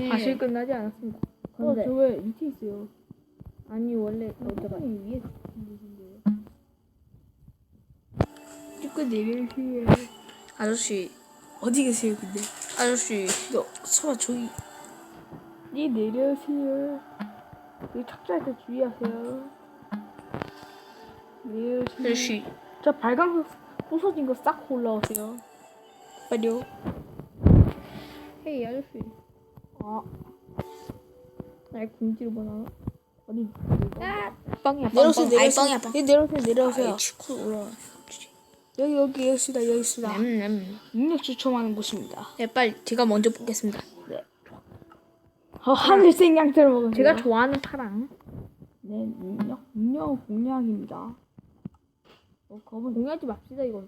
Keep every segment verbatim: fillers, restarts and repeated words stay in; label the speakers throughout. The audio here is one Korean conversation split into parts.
Speaker 1: 사실 끝나지 않았습니다.
Speaker 2: 어, 저 왜 밑에 있어요?
Speaker 1: 아니 원래
Speaker 2: 어쩌다
Speaker 1: 어쩌다
Speaker 2: 위에 계신데요. 쭉 내려오세요.
Speaker 1: 아저씨
Speaker 2: 어디 계세요, 근데?
Speaker 1: 아저씨
Speaker 2: 너 설마 저기? 네, 내려오세요. 여기 탁자할 때 주의하세요. 내려오세요.
Speaker 1: 아저씨
Speaker 2: 저 발광석 부서진 거 쌓고 올라오세요. 빨리요.
Speaker 1: 헤이 아저씨
Speaker 2: 아, 날 궁지로 보나? 어디?
Speaker 1: 아 빵이야 빵
Speaker 2: 내려오세요,
Speaker 1: 빵. 아이
Speaker 2: 내려오세요.
Speaker 1: 빵이야 빵.
Speaker 2: 예, 내려오세요, 내려오세요.
Speaker 1: 아이 치코 올라.
Speaker 2: 여기, 여기, 여기 있습니다, 여기 있습니다.
Speaker 1: 냠냠.
Speaker 2: 능력 추첨하는 곳입니다.
Speaker 1: 네 빨리 제가 먼저 뽑겠습니다.
Speaker 2: 네. 어, 하늘색 양털 먹으세요.
Speaker 1: 제가 좋아하는 파랑.
Speaker 2: 네, 능력, 능력 공략입니다. 어, 검은
Speaker 1: 공유하지 맙시다 이건.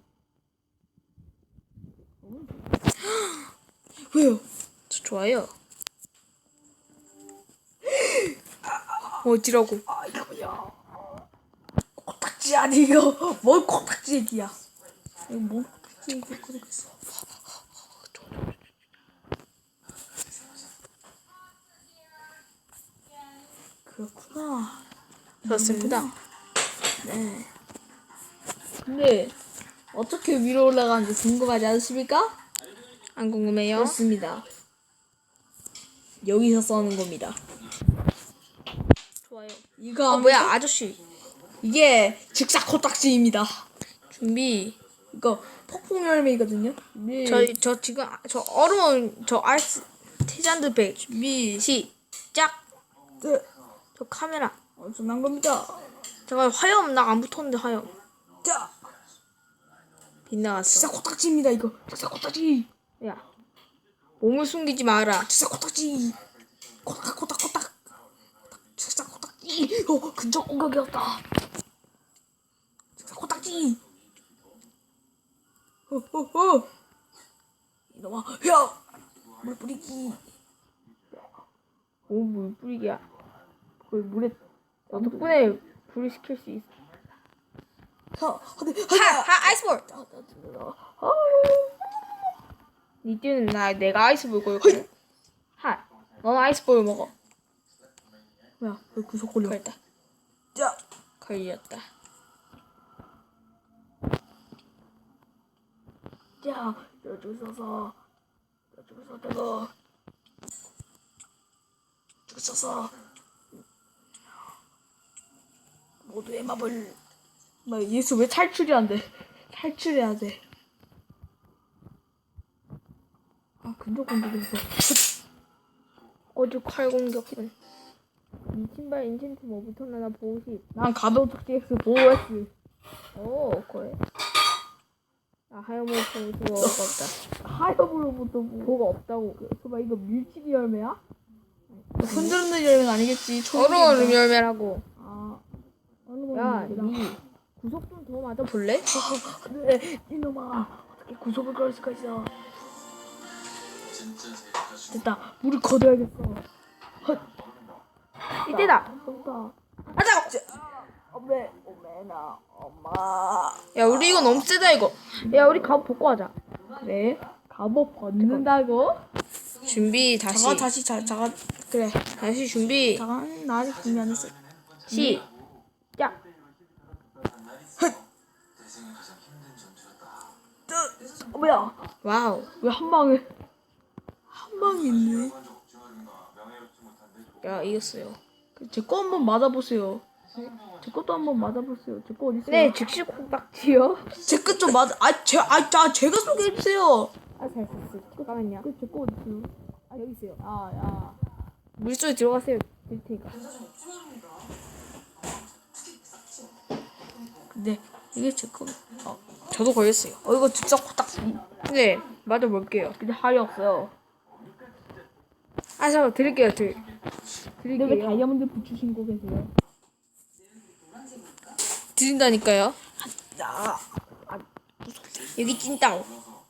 Speaker 2: 왜요?
Speaker 1: 저 좋아요. 어지라고.
Speaker 2: 아, 이거 뭐야? 코딱지 아니 이거 뭔 코딱지 얘기야? 이거 뭔 코딱지 얘기야? 모르겠어. 그렇구나.
Speaker 1: 그렇습니다.
Speaker 2: 네. 근데 어떻게 위로 올라가는지 궁금하지 않으십니까?
Speaker 1: 안 궁금해요?
Speaker 2: 그렇습니다. 여기서 써는 겁니다.
Speaker 1: 좋아요.
Speaker 2: 이거
Speaker 1: 어 뭐야 아저씨.
Speaker 2: 이게 즉사 코딱지입니다.
Speaker 1: 준비.
Speaker 2: 이거 폭풍 열매이거든요. 네.
Speaker 1: 저 저 지금 아- 저 어려운 저 아이스 티잔드 백 준비 시작.
Speaker 2: 네.
Speaker 1: 저 카메라.
Speaker 2: 엄청난 겁니다.
Speaker 1: 제가 화염 나 안 붙었는데 화염
Speaker 2: 자,
Speaker 1: 빗나갔어.
Speaker 2: 즉사 코딱지입니다. 이거 즉사 코딱지.
Speaker 1: 야 몸을 숨기지 마라.
Speaker 2: 즉사 코딱지. 코딱 코딱 코딱. 즉사 코딱지. 어, 근접 공격이었다. 즉사 코딱지. 어어어. 이놈아, 야, 물 뿌리기.
Speaker 1: 오물 뿌리기야. 거의 물에 너 덕분에 불을 시킬 수 있어.
Speaker 2: 자, 하대,
Speaker 1: 하! 하! 아이스볼!
Speaker 2: 아,
Speaker 1: 니 뛰는 나 내가 아이스볼 걸거든. 하! 넌 아이스볼 먹어.
Speaker 2: 뭐야, 왜 구석 걸려?
Speaker 1: 걸렸다.
Speaker 2: 자,
Speaker 1: 걸렸다.
Speaker 2: 자, 여기 서서, 여기 서서, 여기 서서, 모두의 마블. 막 예수 왜 탈출이 안 돼? 탈출해야 돼. 아, 근접 공격했어.
Speaker 1: 어제 칼 공격은. 이 신발 인챈트 뭐 붙었나 보고 싶.
Speaker 2: 난 가벼운 특지 X 보호했어.
Speaker 1: 오 그래. 아 하염을 보고 그거 없다.
Speaker 2: 하엽으로부터 뭐.
Speaker 1: 그거 없다고.
Speaker 2: 봐봐, 이거 밀치기 열매야? 흔들흔들 열매는 아니겠지.
Speaker 1: 얼음 열매라고.
Speaker 2: 아, 어느
Speaker 1: 야,
Speaker 2: 건
Speaker 1: 니 구석 좀 더 맞아 볼래?
Speaker 2: 네, 이놈아, 어떻게 구속을 걸 수가 있어? 됐다, 물을 걷어야겠어. 헛,
Speaker 1: 이때다.
Speaker 2: 됐다.
Speaker 1: 하자.
Speaker 2: 엄매, 엄매나, 엄마.
Speaker 1: 야 우리 이거 너무 세다 이거. 야 우리 갑옷 벗고 하자.
Speaker 2: 그래? 갑옷 벗는다고?
Speaker 1: 준비 다시.
Speaker 2: 잠깐 다시 자, 잠깐 그래.
Speaker 1: 다시 준비.
Speaker 2: 잠깐 나 아직 준비 안 했어.
Speaker 1: 시작.
Speaker 2: 어, 뭐야?
Speaker 1: 와우.
Speaker 2: 왜 한 방에 한 방이 있네?
Speaker 1: 야 이겼어요.
Speaker 2: 제 거 한번 맞아보세요. 제 것도 한번 맞아보세요. 제 거 어디 있어요?
Speaker 1: 네 즉시 콩딱지요.
Speaker 2: 제 것 좀 맞아. 아, 제, 아, 자, 제가 소개해 주세요.
Speaker 1: 아잘 썼어. 잠깐만요.
Speaker 2: 그제거 어디 있어요? 아, 여기 있어요. 아, 야.
Speaker 1: 물속에 들어가세요. 될 테니까.
Speaker 2: 근데 이게 제 거. 어,
Speaker 1: 저도 걸렸어요.
Speaker 2: 어 이거 진짜 코딱지.
Speaker 1: 네 맞아 볼게요.
Speaker 2: 근데 할이 없어요.
Speaker 1: 아 잠깐 드릴게요. 드릴.
Speaker 2: 근데 왜 다이아몬드 붙이신 거 계세요?
Speaker 1: 드린다니까요.
Speaker 2: 야,
Speaker 1: 여기 찐따오.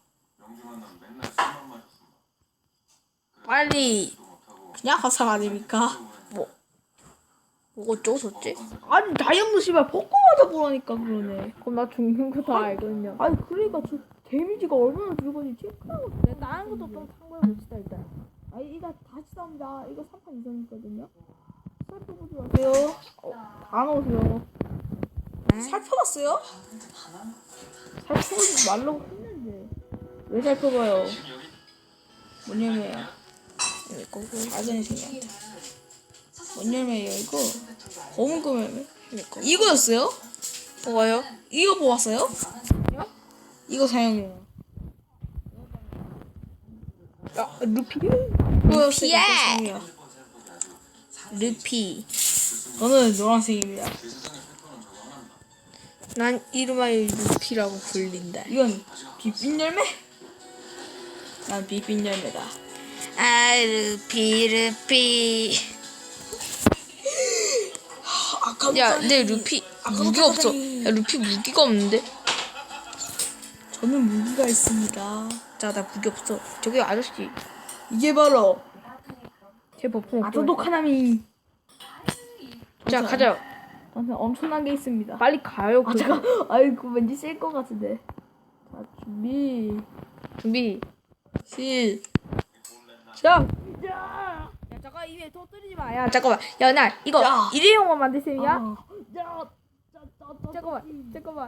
Speaker 1: 빨리.
Speaker 2: 그냥 화살 아닙니까?
Speaker 1: 뭐. 뭐 어쩌고 저쩌지?
Speaker 2: 아니 다이아몬드 씨발 벗고 맞아보라니까 그러네.
Speaker 1: 그럼 나 죽는 거 다 알거든요.
Speaker 2: 아니 그러니까 저 데미지가 얼마나 들어가는지 체크하고.
Speaker 1: 네, 다른 것도 좀 참고해 봅시다 일단. 아 이거 다시 싸웁니다. 이거 삼 판 이상이거든요. 살펴보지 마세요. 어, 다 넣으세요.
Speaker 2: 살펴봤어요?
Speaker 1: 살펴보지 말라고 했는데 왜 살펴봐요?
Speaker 2: 뭔 열매야? 이거 아전이생이야. 뭔 열매예요 이거? 검은 거 열매? 이거였어요?
Speaker 1: 뭐가요?
Speaker 2: 이거 뽑았어요? 이거 사용해요.
Speaker 1: 야 루피?
Speaker 2: 루피야.
Speaker 1: 루피.
Speaker 2: 저는 노란색입니다.
Speaker 1: 난 이름하여 루피라고 불린다.
Speaker 2: 이건 빛빛 열매? 난 빛빛 열매다.
Speaker 1: 아 루피 루피.
Speaker 2: 아까
Speaker 1: 야, 내 루피 무기가 없어. 야, 루피 무기가 없는데?
Speaker 2: 저는 무기가 있습니다.
Speaker 1: 자, 나 무기 없어. 저기 아저씨,
Speaker 2: 이게 바로
Speaker 1: 제 버프
Speaker 2: 아토도 카나미.
Speaker 1: 자, 가자.
Speaker 2: 저한테 엄청난 게 있습니다.
Speaker 1: 빨리 가요.
Speaker 2: 아
Speaker 1: 그거.
Speaker 2: 잠깐. 아이고 왠지 쓸 것 같은데. 자 준비.
Speaker 1: 준비.
Speaker 2: 시.
Speaker 1: 자. 야, 잠깐 입에 터뜨리지 마. 야, 잠깐만. 야, 나 이거
Speaker 2: 야.
Speaker 1: 일회용만 만드세요. 야,
Speaker 2: 아.
Speaker 1: 잠깐만, 잠깐만.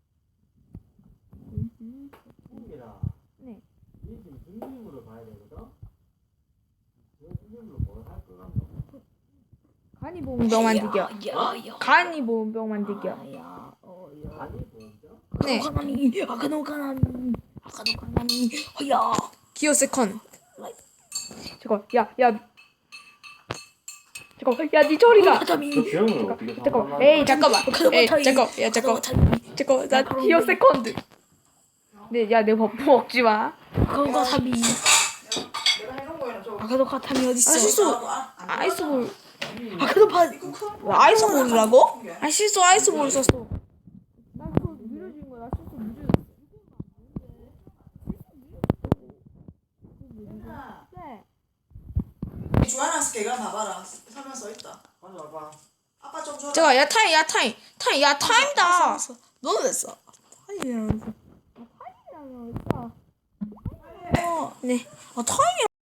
Speaker 3: 승민아,
Speaker 1: 네.
Speaker 3: 이 지금 중심으로 가야 되거든? 저 중심으로 뭘 할 것 같노?
Speaker 1: 간이 보온병 만들기야.
Speaker 2: 야야.
Speaker 1: 간이 보온병 만들기야.
Speaker 2: 야. 어 야.
Speaker 3: 아니, 보험자?
Speaker 1: 네.
Speaker 2: 아카노 카나미. 아카노 카나미. 아카노 카나미. 야.
Speaker 1: 기어 세컨. 잠깐, 야, 야. 잠깐, 야, 니 저리가.
Speaker 2: 카나미.
Speaker 3: 저 병을 어떻게
Speaker 1: 잠깐,
Speaker 3: 상담하는
Speaker 1: 에이, 잠깐만.
Speaker 2: 아카노
Speaker 1: 에이,
Speaker 2: 카나미.
Speaker 1: 잠깐, 야, 잠깐, 잠깐, 나 기어 세컨드. 네, 야, 내 버프 먹지 마.
Speaker 2: 아카노 카나미. 아카노 카나미 어디 있어?
Speaker 1: 아, 실수. 아이스볼.
Speaker 2: 아카노 파. 아이스볼이라고?
Speaker 1: 아, 실수 아이스볼 썼어. 나 그거 느려진 거야. 실수 느려졌어. 네.
Speaker 4: 주하나 스케가 봐봐라. 설명 써 있다.
Speaker 3: 가져와봐.
Speaker 4: 아빠 좀 줘라.
Speaker 1: 잠깐, 야, 타임, 야, 타임. 타임, 야, 타임이다.
Speaker 2: 너는 왜 써? 아니라면서.
Speaker 1: 네.
Speaker 2: 아 타임이